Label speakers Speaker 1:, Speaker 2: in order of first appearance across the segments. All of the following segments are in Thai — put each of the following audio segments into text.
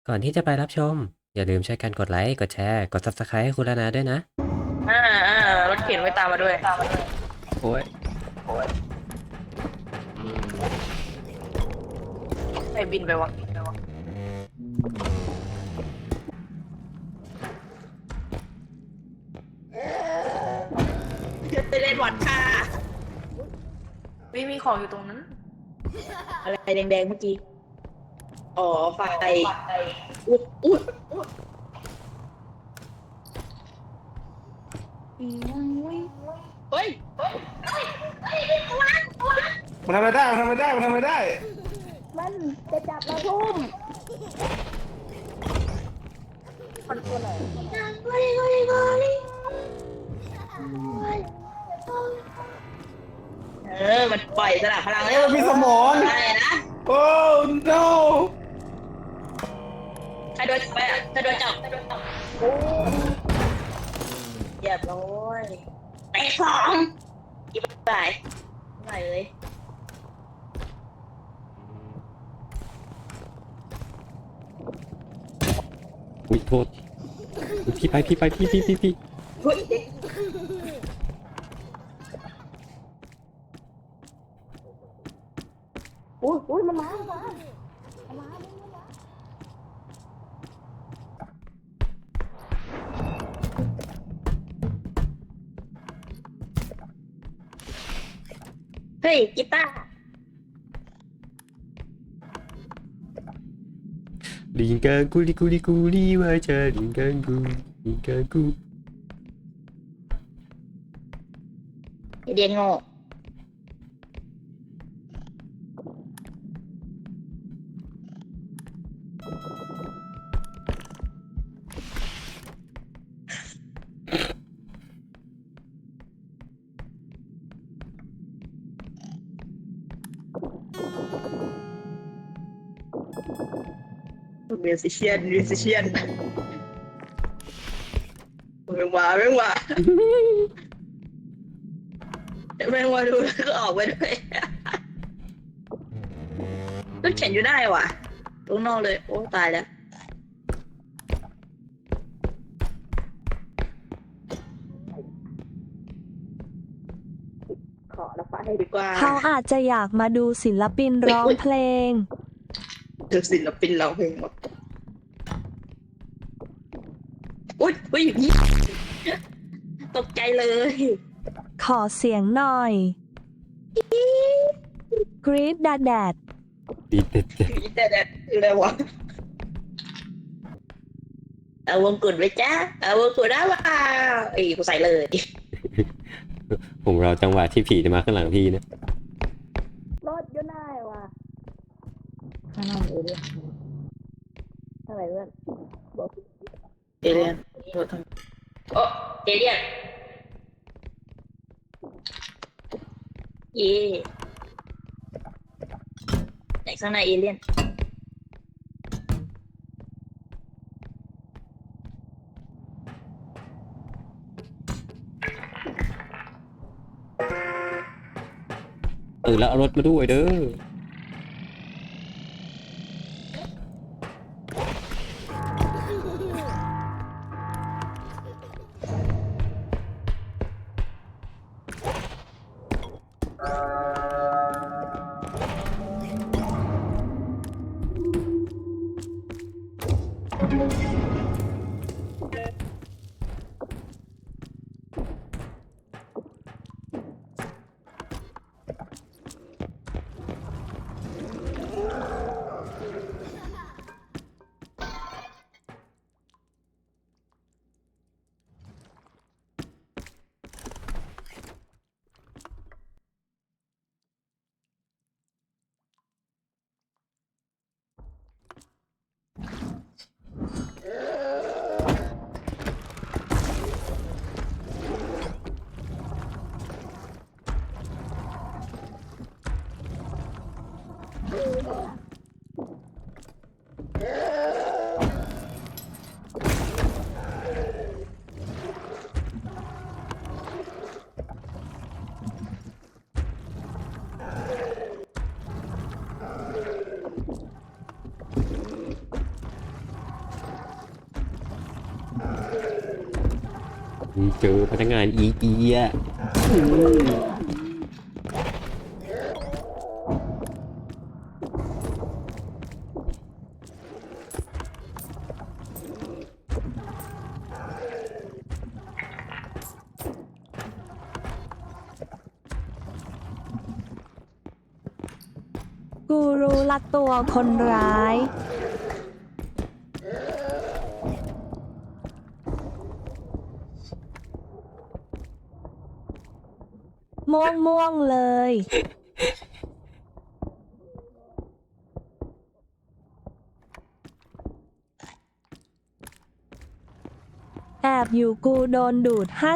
Speaker 1: ก่อนที่จะไปรับชมอย่าลืมช่วยกันกดไลค์กดแชร์กด Subscribe ให้คุณนาด้วยนะ
Speaker 2: อ่ารถเข็นไม่ตามมาด้วย
Speaker 1: โอ้ย
Speaker 2: ไอ้บินไปวะไปเล่นวัดค่ะมีของอยู่ตรงนั้น
Speaker 3: อะไรแดงๆเมื่อกี้ อ๋อ ไฟอุ๊ดอุ๊ดเฮ้ย
Speaker 4: มันทำอะไรได้มันทำอะไรได้มันทำอะไรได้
Speaker 3: มันจะจับเราทุ่มมันปล่อยสลับพลัง
Speaker 4: เอ้ยมันมีสมอง
Speaker 3: อะไรนะ
Speaker 4: โอ้ no
Speaker 3: ใครโดนจับไปอ่ะใครโดนจับเรียบร้อยเตะสองอีกบ่ายไหนเลย
Speaker 1: อุ้ยโทษพี่ไปพี่
Speaker 3: เฮ้ยอุ้ยมันมาเฮ้ยกีตาร์
Speaker 1: ลิงกังกูลีว่าจะลิงกังกู
Speaker 3: เรียนโง่เรียนซิเชียนแม่งว่าแม่งว่าดูแล้วก็ออกไปด้วยก็เขียนอยู่ได้ว่ะตรงนอกเลยโอ้ตายแล้วขอละฟ้าให้ดีกว่า
Speaker 5: เขาอาจจะอยากมาดูศิลปินร้องเพลง
Speaker 3: ดูศิลปินเราเพลงหมดอุ้ยอย่างนี้ตกใจเลย
Speaker 5: ขอเสียงหน่อย กรีดดาแดด
Speaker 1: ดีเด็ด
Speaker 3: แต่คืออะไรวะเอาวงกุฎไว้จ้าเอาวงกุฎได้ว่ากูใส่เลย
Speaker 1: ผมเราจังหวะที่ผีจะมาข้างหลังพี่นะ
Speaker 3: รถอยู่ได้ว่ะข้างนอกเอเลี่ยนเท่าไหร่เพื่อนบอกเอเลี่ยนรถทำโอ้เอเลี่ยนเย่ไหนข้างในเอเลี่ยน
Speaker 1: แล้วเอารถมาด้วยเด้อเจอพนักงานอีเกีย
Speaker 5: กูรู้ละตัวคนร้าย ม่วงเลย แอบอยู่กูโดนดูด 55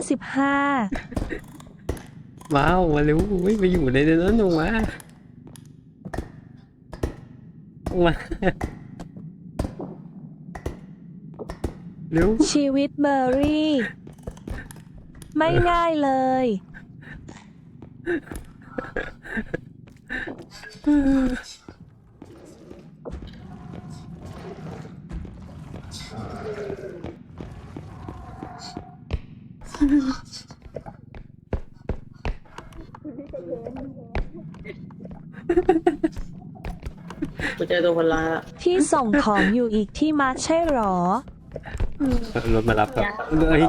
Speaker 1: ว้าวมาเร็วไม่ไปอยู่ในนั้นลงมาเร็ว
Speaker 5: ชีวิตเบอร์รี่ ไม่ง่ายเลย
Speaker 3: กูเจอตัวคนร้ายละ
Speaker 5: ที่ส่งของอยู่อีกที่มาใช่หรอ
Speaker 1: รถมารับครับเฮ้ย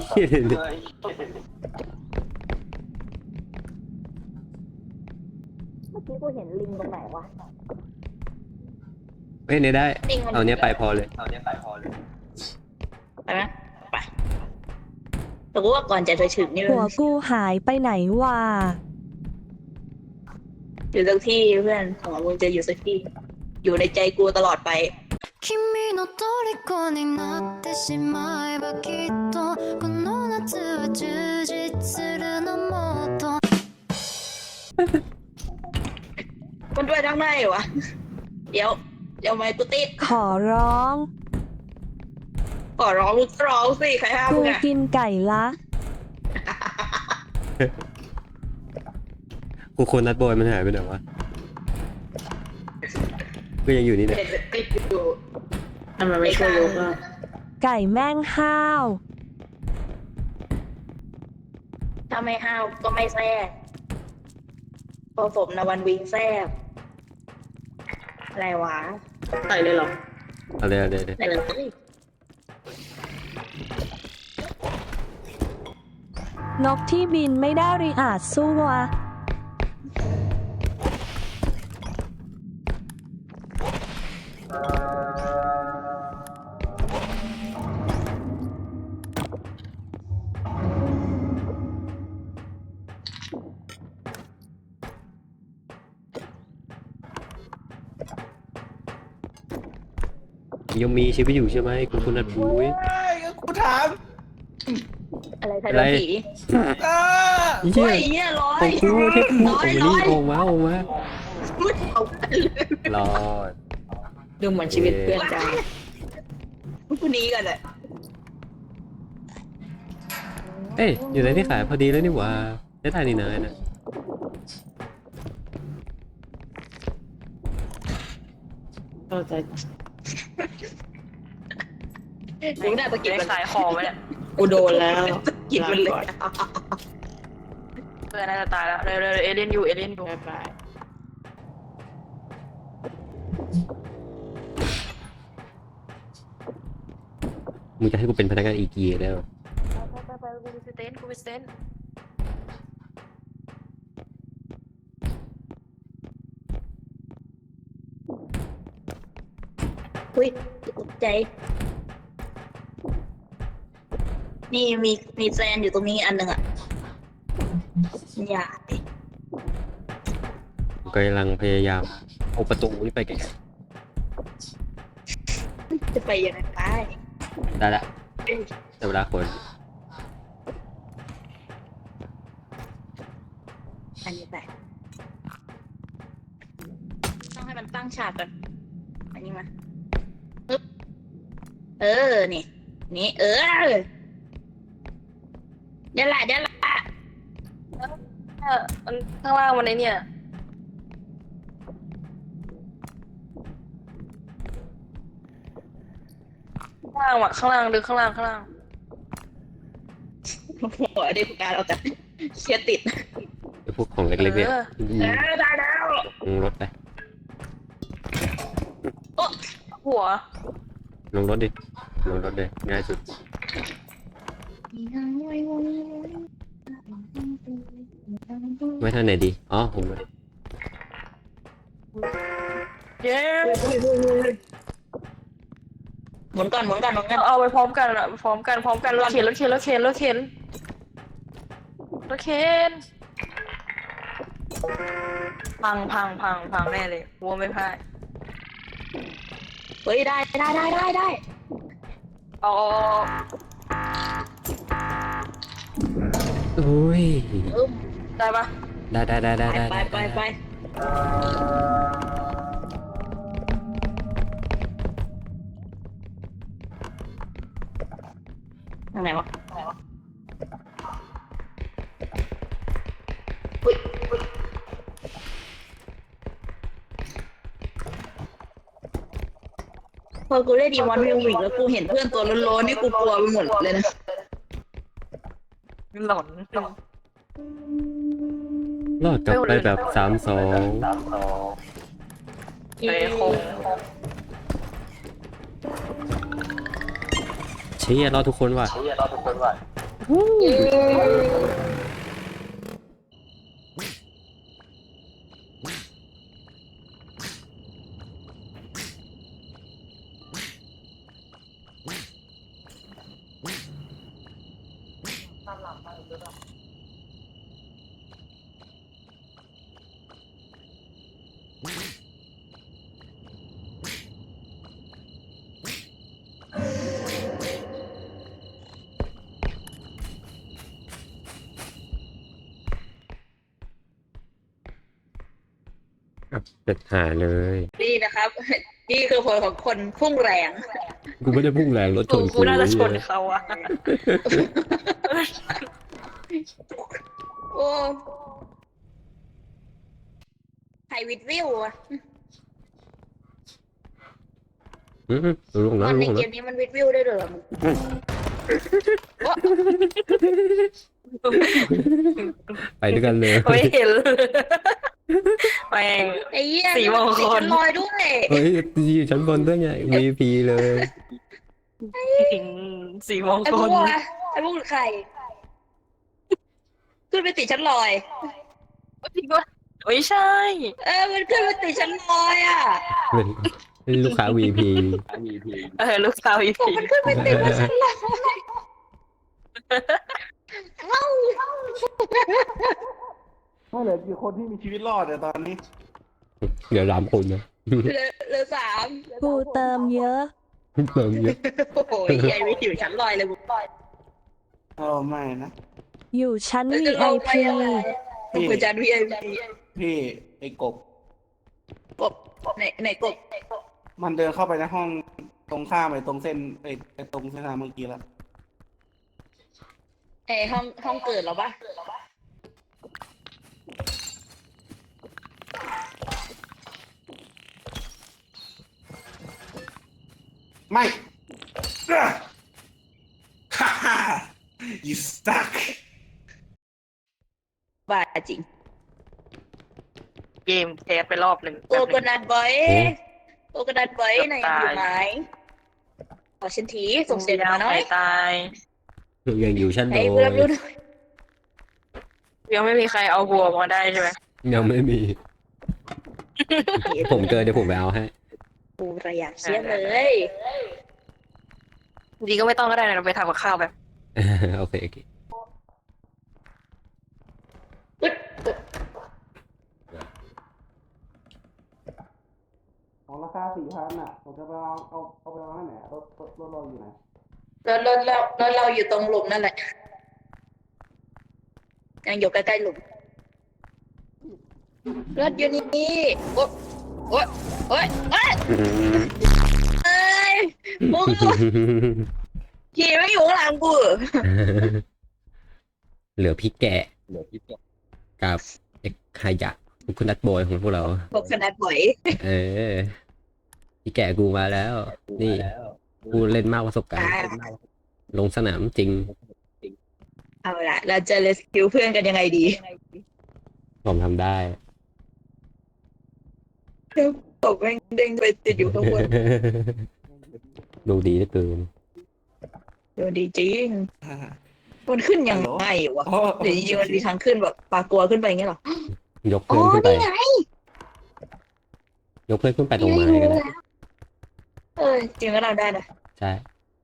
Speaker 3: เมื่อกี้กูเห็นลิงตรงไหนวะ
Speaker 1: เฮ้ยเนี่ยได้ เอาเนี้ยไปพอเลย
Speaker 3: ไปไหมไปแต่กูว่าก่อนจะไปถึงนี่
Speaker 5: หัวกูหายไปไหนวะ
Speaker 3: อยู่สักที่เพื่อนของมึงจะอยู่สักที่ อยู่ในใจกูตลอดไป
Speaker 6: 君の虜になってしまえばきっとこの夏は充実するのもっと
Speaker 3: มันด้วยทั้งในวะ เดี๋ยวไม่กูติด
Speaker 5: ขอร้อง
Speaker 3: ขอร้องมึงก็ร้องสิใครห้าม
Speaker 5: กู
Speaker 3: มึงอะ
Speaker 5: กินไก่ละ
Speaker 1: กูคนนัดบอยมันหายไปไหนวะก็ยังอยู่นี่แหละ
Speaker 3: เห็นติดอยู่ทำไมไม่ช่วยยกอ่ะ
Speaker 5: ไก่แม่งห้าว
Speaker 3: ถ้าไม่ห้าวก็ไม่แซ่บพอสมนวันวิงแซ่บอะไรวะใส่เลยเหรอ
Speaker 1: อะไร
Speaker 3: ใส่เลย
Speaker 5: นกที่บินไม่ได้ริอาจสู้วะ
Speaker 1: ยังมีชีวิตอยู่ใช่ไหมคุณนัดบุ้ย
Speaker 4: กูถาม
Speaker 3: อะไรไทย
Speaker 1: อะไร
Speaker 3: โดนผี
Speaker 4: อ้า
Speaker 1: เหี้
Speaker 3: โอ้
Speaker 1: ย
Speaker 3: ยเนี่ยร้อ
Speaker 1: ขอย งกูเทพกู
Speaker 3: ร้อย
Speaker 1: ออกมานี่ออกมา
Speaker 3: ไม่เอากันเลย
Speaker 1: รอด
Speaker 3: ดูเหมือนชีวิตเพื่อนจังคนนี้กันเลย
Speaker 1: เอ้ยอยู่ในที่ขายพอดีแล้วนี่หว่าได้ทายนี่นายนะ
Speaker 3: เข้าใจกูได้ตะกิด
Speaker 2: ได้
Speaker 3: มัน
Speaker 2: ขายของไว้เนี่ย
Speaker 3: กูโดนแล้วตะกิดมันเลย
Speaker 2: เพื่อนน่าจะตายแล้วเร็วเอเลี่ยนอยู่เอเลี่ยนอยู่
Speaker 3: ไป
Speaker 1: มึงจะให้กูเป็นพนักงานอีเกียแล้ว
Speaker 2: ไปกูไปสเตนกูไปสเตน
Speaker 3: อุ้ยตกใจ นี่มีแซนอยู่ตรงนี้อันหนึ่งอ่ะอย่าดิ
Speaker 1: กูกำลังพยายามเอาประตูนี่ไปแก
Speaker 3: จะไปยังไงไป
Speaker 1: ได้ละแต่เวลาคน
Speaker 3: อันนี้ไปต้องให้มันตั้งฉากก่อนอันนี้มาปึ๊บนี่เดี๋ยวละ
Speaker 2: มันข้างล่างมันไอเนี่ยข้างล่างว่ะข้างล่างดึงข้างล่าง
Speaker 3: หัวได้การเอาแต่เชียติด
Speaker 1: ไอ้พวกของเล็กๆเนี่ยยิง
Speaker 3: ได้แล้ว
Speaker 1: ลงรถไป
Speaker 2: หัว
Speaker 1: ลงรถดิลงรถเลยง่ายสุดไว้ท่าไหนดีอ๋อผมเลย
Speaker 2: เย้
Speaker 3: หมุนก่อน
Speaker 2: เอาไปพร้อมกันอะพร้อมกันรถเข็นรถเข็นรถเข็นรถเข็นรถเข็นพังแน่เลยวัวไม่พาย
Speaker 3: เฮ้ยได้
Speaker 2: เอา
Speaker 1: โอ้ย
Speaker 2: ได้ปะ
Speaker 1: ได้
Speaker 3: ไปทางไหนวะพอกูได้ดีมอนวิววิกแล้วกูเห็นเพื่อนตัวโล้นๆนี่กูกลัวไปหมดเลยนะ
Speaker 2: หลอน
Speaker 1: รอดกลับไปแบบ3-2
Speaker 2: เอ้คง
Speaker 1: เชี่ยรอดทุกคนว่ะ เป็ดหาเลย
Speaker 3: นี่นะครับ นี่คือผลของคนพุ่งแรง
Speaker 1: กูไม่ได้พุ่งแรงรถชน
Speaker 2: กูน่าจะชนเขาอะ
Speaker 3: โอ้ไฮวิดวิวอะ
Speaker 1: ลง
Speaker 3: ต
Speaker 1: แล้
Speaker 3: อ
Speaker 1: วน
Speaker 3: ใน
Speaker 1: ลง
Speaker 3: เก
Speaker 1: แล้ว
Speaker 3: มนี้มันวิดวิวได้ด้วยเหรอมึง
Speaker 1: ไปด้วยกันเลย
Speaker 2: ไม่เห็นแม่ง
Speaker 3: ไอ้เหี้ย
Speaker 2: สีมงคล
Speaker 3: ลอยด้วย
Speaker 1: เฮ้ยอยู่ชั้นบนด้วยไง VP เลย
Speaker 2: สีมง
Speaker 3: ไอ้
Speaker 2: ค
Speaker 3: พว
Speaker 2: ล
Speaker 3: กไอ้พวกใครขึ้นไปติดชั้นลอย
Speaker 2: จริงปะไม่ใช่
Speaker 3: มันขึ้นไปติดชั้นลอยอ่ะ
Speaker 1: เป็นลูกค้า VP
Speaker 2: ลูกสาวอี
Speaker 3: บอก
Speaker 2: พี
Speaker 3: มันขึ้นไปติดบนชั้นลอยเอ้า
Speaker 4: ไม่เหลือกี่คนที่มีชีวิตรอดเนี่ยตอนนี้
Speaker 1: เดี๋ยว3 คนนะ
Speaker 3: เหลือสาม
Speaker 5: กูเติมเยอะ
Speaker 1: เติมเยอะ
Speaker 3: โอ้โหไอ้วิทย์อยู่ชั้นลอยเลยบุ๋ม
Speaker 4: โอ้ไม่นะ
Speaker 5: อยู่ชั้น
Speaker 3: จะลงไป
Speaker 5: VIP
Speaker 3: ยังไงผมเป็นจาน VIP
Speaker 4: พี่ไอ้กบ
Speaker 3: กบไหนกบ
Speaker 4: มันเดินเข้าไปในห้องตรงข้ามไปตรงเส้นไอ้ตรงเส้นทางเมื่อกี้แล้ว
Speaker 3: ไอห้องเกิดเหรอปะ
Speaker 4: ไม่ฮ่าฮ่า you stuck
Speaker 3: บ้าจริง
Speaker 2: เกมแคสไปรอบหนึ่ง
Speaker 3: โอกระดาษไว้โอกระดาษไว้ไหนอยู่ไหนขอฉันทีส่งเสียงมาหน่อย
Speaker 2: ตาย
Speaker 1: ยังอยู่ชั้นโด
Speaker 3: ให้เพื่อนรู้หน่อย
Speaker 2: ยังไม่มีใครเอาวัวมาได้ใช่ไหม
Speaker 1: ยังไม่มี ผมเจอเดี๋ยวผมไปเอาให้
Speaker 3: กูระอยากเชียร์เลย
Speaker 2: ดีก็ไม่ต้องก็ได้นะเราไปทำกับข้าวแบบ
Speaker 1: โอเค
Speaker 4: ของราคา4,000อ่ะผมจะไปเอาไปเอาให้ไหนรถเราอยู่ไหน
Speaker 3: เราอยู่ตรงหลุมนั่นแหละยังอยู่ใกล้ๆหลุมรถอยู่นี่โอ๊ยเอ้ยมึงขี่ไม่อยู่ข้างหลังกู
Speaker 1: เหลือพี่แกะกับเอกขยะคุณนัทบอยของพวกเรา
Speaker 3: พวกขนาดบ่อย
Speaker 1: พี่แกะกูมาแล้ว นี่กูเล่นมากประสบการณ์ ลงสนามจริง
Speaker 3: เอาละเราจะเลสคิวเพื่อนกันยังไงดี
Speaker 1: ผมทำได้
Speaker 3: ตกแม่งเด้งไปติดอยู่ข้างบน
Speaker 1: ดูดีเหลือเกิน
Speaker 3: ดูดีจริงมันขึ้นยังไงวะ
Speaker 4: โอ้
Speaker 3: หรือจริงๆมันมีทางขึ้นแบบปลากลัวขึ้นไปอย่างเงี้ยเหรอย
Speaker 1: กเพื่อนขึ้นไป
Speaker 3: นี่ไง
Speaker 1: ยกเพื่อนขึ้นไปตรงไม้ก็ได้
Speaker 3: จริงก็เราได้นะ
Speaker 1: ใช่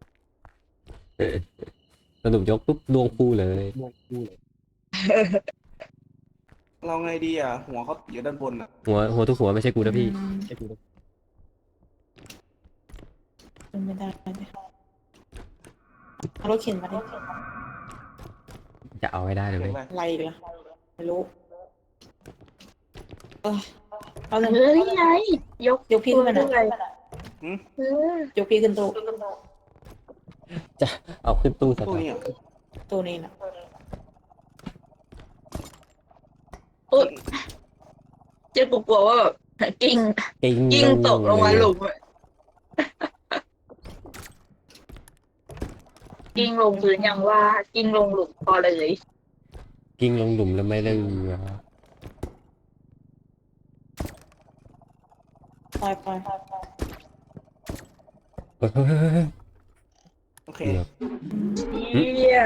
Speaker 1: สรุปยกปุ๊บดวงคู่เลย
Speaker 4: เราไงดีอ่ะ หัวเขาอยู่ด้านบนอ่ะ
Speaker 1: หัวทุกหัวไม่ใช่กูนะพี่
Speaker 3: เป็นไม่ได้เอารถเข็นมาดิ
Speaker 1: จะเอาให้ได้เลย
Speaker 4: เห็
Speaker 1: เว้
Speaker 4: น
Speaker 1: ย
Speaker 4: ไหม
Speaker 3: อะไรอีกล่ะไม่รู้เอาเลยนี่ไงยกพี่ขึ้นมาหน่อยยกพี่ขึ้นตู้
Speaker 1: จะเอาขึ้นตู้ส
Speaker 4: ตู้
Speaker 1: ตา
Speaker 4: นี้
Speaker 1: ร์
Speaker 4: อ่ะ
Speaker 3: ตู้นี้นะเจ๊กลัวว่าแบบกิ้ง
Speaker 1: กิ้ง
Speaker 3: ตกลงมาหลุมอะกิ้งลงพื้นยังว่ากิ้งลงหลุมพอเลย
Speaker 1: กิ้งลงหลุมแล้วไม่ได้เรือ
Speaker 3: ไป
Speaker 1: เฮ้ย
Speaker 4: โอเค
Speaker 1: เกือบ
Speaker 3: เชี่ย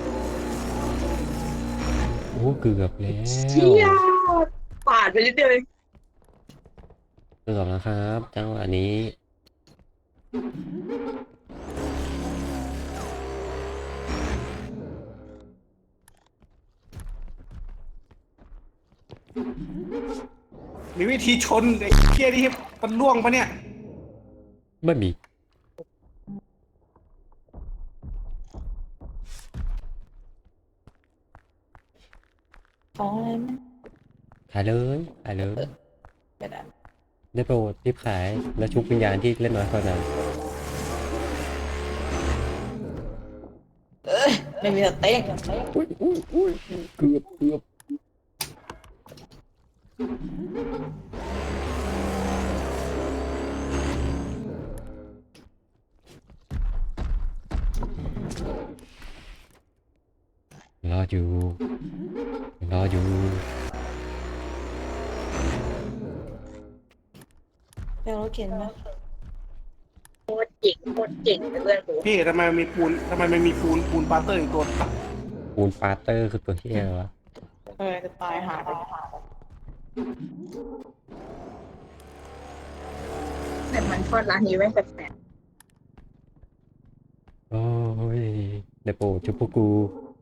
Speaker 1: โอ้เกือบแล้ว
Speaker 3: เชี่ยปาดไปนิดเดียวเอง
Speaker 1: เกือบแล้วครับจังหวะนี้
Speaker 4: มีวิธีชนไอ้เหี้ยที่มันล่วงปะเนี่ย
Speaker 1: ไม่มี
Speaker 3: ของอะไรมั้ย
Speaker 1: ขายเลยขายเลย
Speaker 3: ไม่ได้
Speaker 1: ได้โปรดรีบขายแล้วชุบวิญญาณที่เล่นน้อยเท่านั้น
Speaker 3: ไม่มีสเต็ก
Speaker 1: อุ้ยเกือบรออยู่
Speaker 3: เดี๋ยวรถเข็นมาโคตรเก่งเพื่อนกู
Speaker 4: พี่ทำไมมันมีปูนปาเตอร์อีกตัว
Speaker 1: ปูนปาเตอร์คือตัวที่อะไรวะ
Speaker 3: จะตายหาไปแต่มันทอดร้านนี้ไม่แปลก
Speaker 1: โอ้ยได้โปรดชุบพวกกู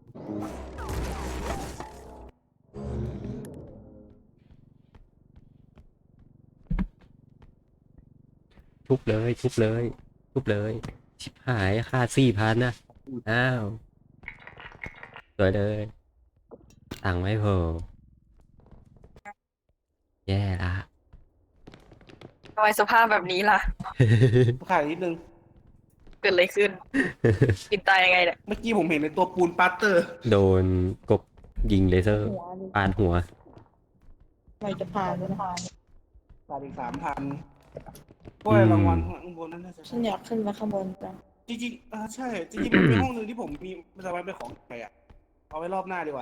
Speaker 1: ชุบเลยชิบหายค่า4,000นะอ้าวสวยเลยตังค์ไม่พอแย่ละ
Speaker 2: ทำไมสภาพแบบนี้ล่ะ
Speaker 4: ขายนิดนึง
Speaker 2: เกิดอะไรขึ้น กินตายยังไงเนี่ย
Speaker 4: เมื่อกี้ผมเห็นในตัวปูนปาเตอร์
Speaker 1: โดนกบยิงเลเซอร์ปาดหัว
Speaker 3: ไม่จะผ่านเลยนะ
Speaker 4: ขายอีก3,000ก็รางวัลข้างบนนั้นน่าจะ
Speaker 3: ฉันอยากขึ้นมาข้างบนจัง
Speaker 4: จริงๆใช่ จริงๆมันมีห้องหนึ่งที่ผมมีมันจะไว้เป็นของใครอ่ะ เอาไว้รอบหน้าดีกว่า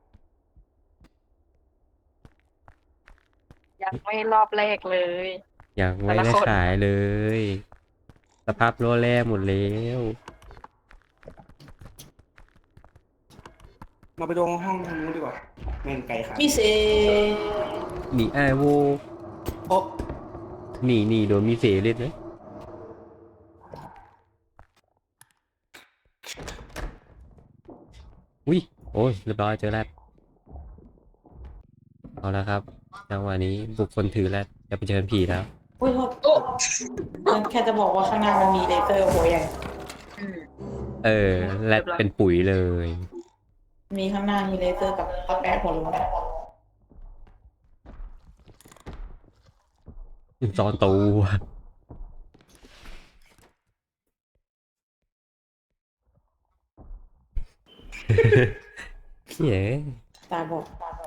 Speaker 2: ยังไม่รอบแรกเลย
Speaker 1: ยังไม่
Speaker 2: แต่ละ
Speaker 1: ได้
Speaker 2: คน
Speaker 1: ขายเลย สภาพโลแร่หมดแล้ว
Speaker 4: มาไปดูห้องทางนู้นดีกว่าแม่งไกลขา
Speaker 3: มีเซ
Speaker 1: หนีไอโว
Speaker 4: โอ้
Speaker 1: หนีโดนมีเสเล่นนะอุ้ยโอ้ยเรียบร้อยเจอแล้วเอาละครับจังหวะนี้บุคคลถือแล้วจะไปเชิญผีแล้ว
Speaker 3: อุ้ยโทษมันแค่จะบอกว่าข้างหน้ามันมีเลเซอร์โหใหญ่
Speaker 1: แรดเป็นปุ๋ยเลย
Speaker 3: มีข้างหน้ามีเลเซอร์กับตะแปะหัวลงมา
Speaker 1: จอนตูเย้
Speaker 3: ตาบอก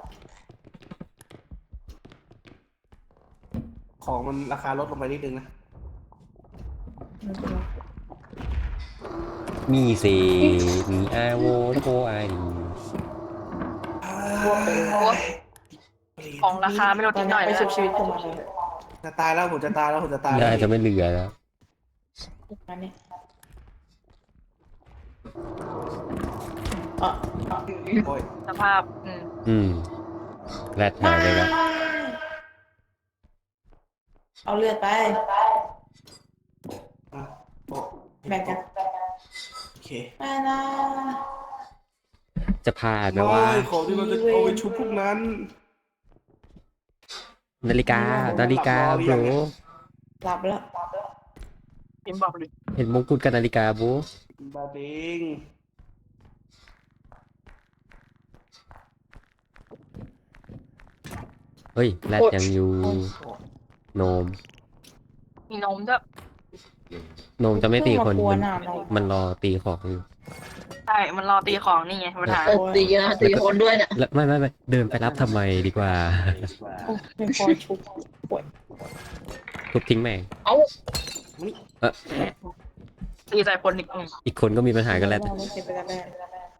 Speaker 4: ของมันราคาลดลงไปนิดนึงนะ
Speaker 1: มีเสมีอาโวโกไอ
Speaker 2: ของราคาไม่ลดนิดหน่อย
Speaker 3: ไป
Speaker 2: แล้ว
Speaker 3: ชุบชีวิตเข้ามาเลย
Speaker 4: จะตายแล้วผมจะตายแล้วผมจะตาย
Speaker 1: ได้
Speaker 4: แล้ว
Speaker 1: จะไม่เหลือแล้ว
Speaker 3: มาเนี่ยอ่ะ
Speaker 4: โอ้ย
Speaker 2: สภาพ
Speaker 1: แรดหายไปแล้ว
Speaker 3: เอาเลือดไป
Speaker 4: อ่ะโอ้
Speaker 3: แบ่งกัน
Speaker 4: โอเค
Speaker 3: ไม่นะ
Speaker 1: จะผ่านไหม
Speaker 4: ไม่
Speaker 1: ว่า
Speaker 4: ของที่เราจะเอาไปชุบพวกนั้น
Speaker 1: นาฬิกาโบร
Speaker 3: หลับแล้ว
Speaker 2: พิมพ์บอกเลย
Speaker 1: เห็นมงกุฎกับนาฬิกาโบร
Speaker 4: บาเบง
Speaker 1: เฮ้ยแรดยังอยู่โนม
Speaker 2: มีนมด้วย
Speaker 1: โนมจะไม่ตีคน
Speaker 3: เพิ่ง
Speaker 1: มัน
Speaker 3: มากวนอ่ะ
Speaker 1: มันรอตีของอยู่
Speaker 2: ใช่มันรอตีของนี่ไงปัญหา
Speaker 3: ตีนะตีคนด้วยเนี่ย
Speaker 1: แล้วไม่เดินไปรับทำไมดีกว่า
Speaker 3: ไม่พอชุบ
Speaker 1: ทุบทิ้งแม่ง
Speaker 2: ตีใส่คนอีก
Speaker 1: อีกคนก็มีปัญหากันแล้ว
Speaker 3: ไม่เก็บไปกันแน่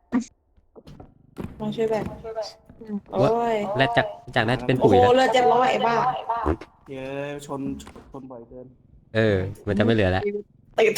Speaker 3: มาช่วยแบ่งโอ้ย
Speaker 1: แรดจากนั้นเป็น
Speaker 3: โอ้
Speaker 1: ปุ๋ย
Speaker 3: โห
Speaker 1: แล้ว
Speaker 3: เลือด700ไอ้บ้า
Speaker 4: เย้ชนบ่อยเกิน
Speaker 1: มันจะไม่เหลือแล้ว
Speaker 3: ติด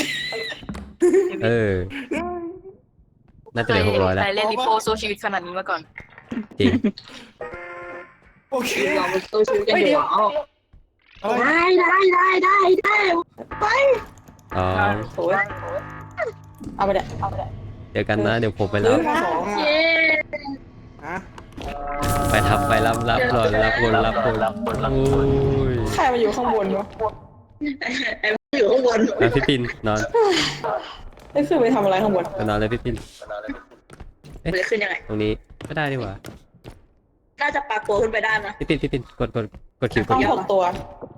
Speaker 1: น่าจะเหลือ600แล้ว
Speaker 2: ใครเล่นลิโพสู้ชีวิตขนาดนี้มาก่อน
Speaker 1: จริง
Speaker 4: โอเค
Speaker 3: เราไปตู้ชูกันอยู่เอา
Speaker 4: อะไร
Speaker 3: ได้ไป
Speaker 1: อ๋อ
Speaker 3: โอ้ยเอาไปเด็ด
Speaker 1: เดี๋ยวกันนะเดี๋ยวผมไปรับ
Speaker 4: สองอ่ะฮะ
Speaker 1: ไปทำไปรับก่อนรับคนโอ้ย
Speaker 3: ใครมาอยู่ข้างบนวะไอ้อยู่ข้างบน
Speaker 1: พี่ปินนอน
Speaker 3: ได้ขึ้นไปทำอะไรข้างบน
Speaker 1: ไปนอนเลยพี่ปิน
Speaker 3: มันจะขึ้นยังไง
Speaker 1: ตรงนี้ก็ได้ดีกว่า
Speaker 3: น่าจะปากตัวขึ้นไปได้นะ
Speaker 1: พี่ปินกดคิวก
Speaker 3: ต้
Speaker 1: ด
Speaker 3: อง
Speaker 1: คิว
Speaker 3: 6 ตัว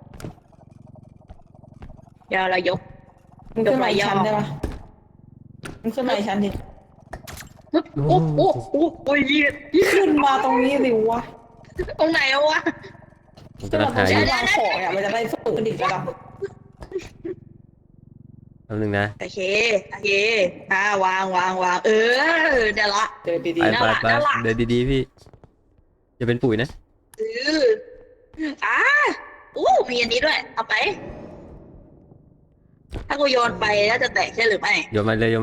Speaker 3: เดี๋ยวเรายกมันขึ้นมาอีกชั้นได้ปะมันขึ้นมาอีกชั้นดิโอ้ยขึ้นมาตรงนี้สิวะตรงไหนวะ
Speaker 1: ผมกำลังหาอยู่
Speaker 3: วางของอ่ะมันจะได้ฝึกกันอีกระดับ
Speaker 1: แป๊บนึงนะ
Speaker 3: โอเควางเเดี๋ยวละเดินดี
Speaker 1: ไปเดินดีๆพี่อย่าเป็นปุ๋ยนะ
Speaker 3: มีอันนี้ด้วย เอาไป ถ้ากูโยนไปแล้วจะแตกใช่หรือไม่
Speaker 1: โยนมาเลย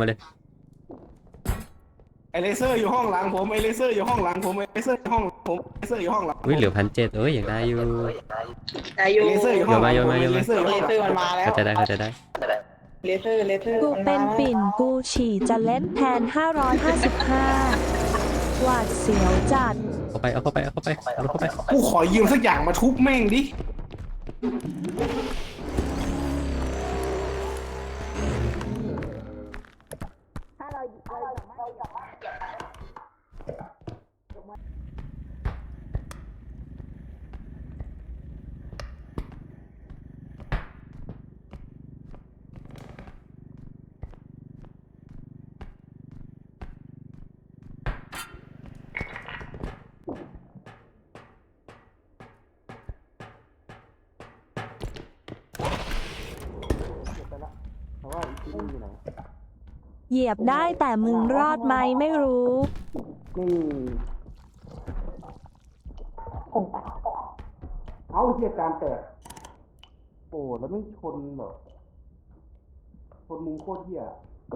Speaker 4: ไอเลเซอร์อยู่ห้องหลังผมไอเลเซอร์อยู่ห้องหลังผมไอเลเซอร์อยู่ห้องผมไอเลเซอร์อยู่ห้องหลัง
Speaker 1: อุ้ยเหลือ1,700อย่างได้อยู่
Speaker 3: แต่อยู่
Speaker 4: เลเซอร์อยู่ห้องหลัง
Speaker 1: โยนมา
Speaker 4: เลเซอร์อยู่ห้องหลัง
Speaker 3: มันมาแล้ว
Speaker 1: เข้าใจได้
Speaker 3: เลเซอร์
Speaker 5: กู
Speaker 3: มัน
Speaker 5: เป็
Speaker 3: มาน แล้ว
Speaker 5: ปิ่นกูฉี่จะเล่นแทน 555 หวาดเสียวจัด
Speaker 1: เอาเข้าไป
Speaker 4: กูขอยืมสักอย่างมาทุบแม่งดิ
Speaker 5: เหยียบได้แต่มึงรอดไหมไม่รู้
Speaker 4: เอาเหตุการณ์แตกโอ้แล้วไม่ชนแบบชนมุมโคตรเหี้ย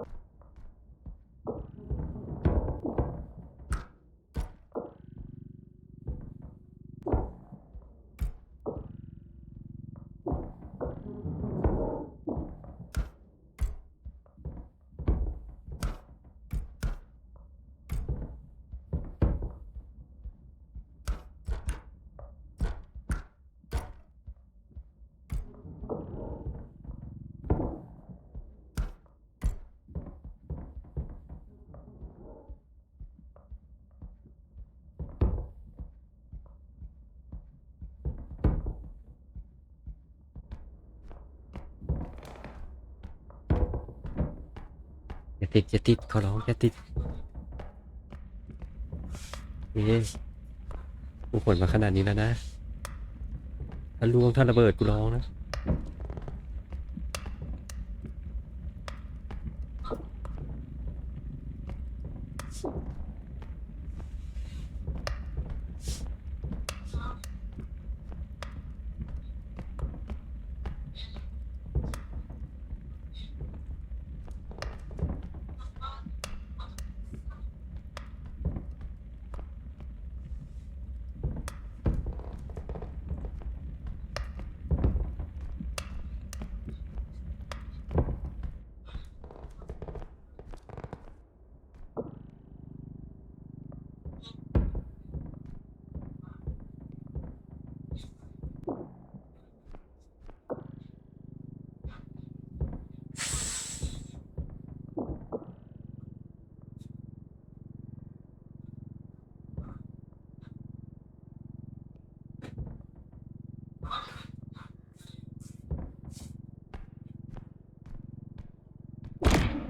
Speaker 1: อย่าติดขอร้องอย่าติดกูขนมาขนาดนี้แล้วนะถ้าล่วงถ้าระเบิดกูร้องนะ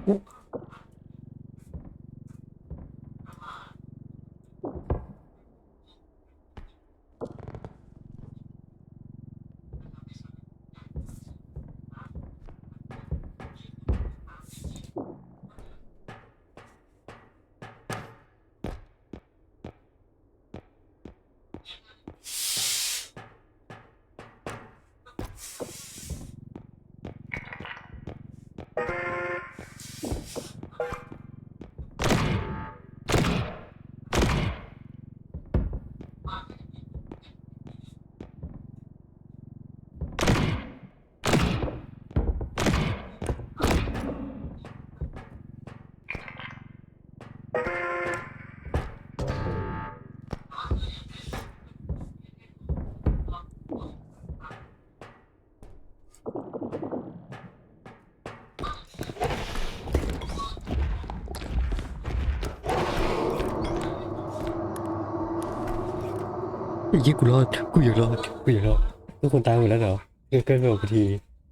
Speaker 1: ไอ้ยี่กูรอดกูอยากรอดกูอยากรอดทุกคนตายหมดแล้วเหรอเกินไปกว่าที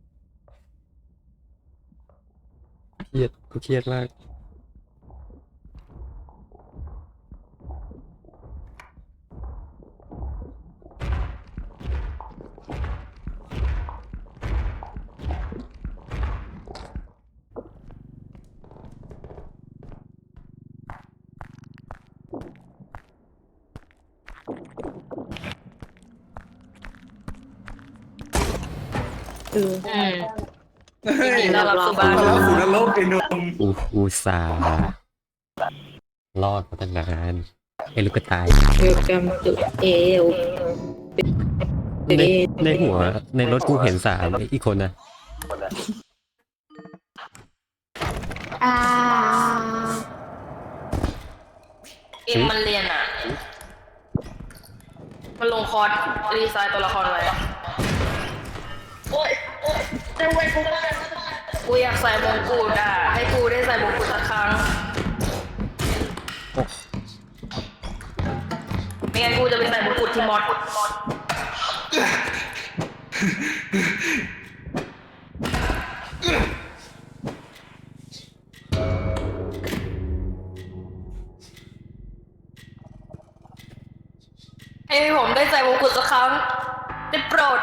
Speaker 1: เครียดกูเครียดมาก
Speaker 2: อืมยินดีต้อนรับสู่บ้าน
Speaker 4: มาแล้วสู่นรกไอ้หนุ่ม
Speaker 1: อุตส่าห์รอดมาตั้งนานไอ้ลูกกระต่าย
Speaker 3: Welcome to AL
Speaker 1: ในหัวในรถกูเห็น3ไอ้อีกคนนะ
Speaker 2: เอ็มมันเรียนอ่ะ มันลงคอร์สรีไซน์ตัวละครไว้โอ๊ยจะไว้กูอยากใส่มงกุฎอ่ะ ให้กูได้ใส่มงกุฎสักครั้งไม่งั้นกูจะไปใส่มงกุฎที่มอดให้ผมได้ใส่มงกุฎสักครั้งได้โปรด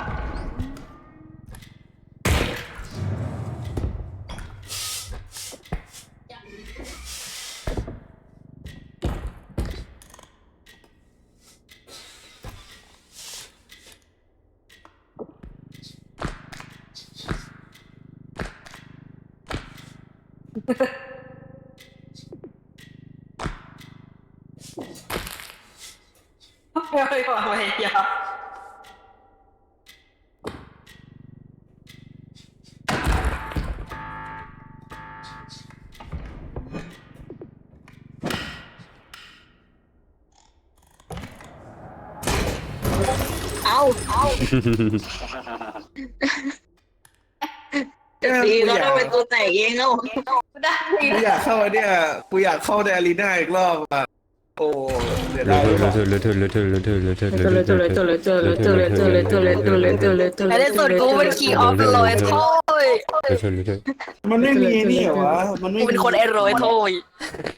Speaker 2: ไม่ความพยายาม
Speaker 3: ดีก็ต้องเป็นตัวแตกเองเนาะ
Speaker 2: ได้
Speaker 4: กูอยากเข้าไอ้เนี่ยกูอยากเข้าในอารีนาอีกรอบอ่ะโอ้เดี๋ยวได้
Speaker 2: ไอ้ได้ส่วนกูเป็น King of the Roy โถ่ย
Speaker 4: มันไม่มีนี่เหรอวะมันไม่
Speaker 2: กู
Speaker 4: มี
Speaker 2: เป็นคนไอ้โรยโถ่ย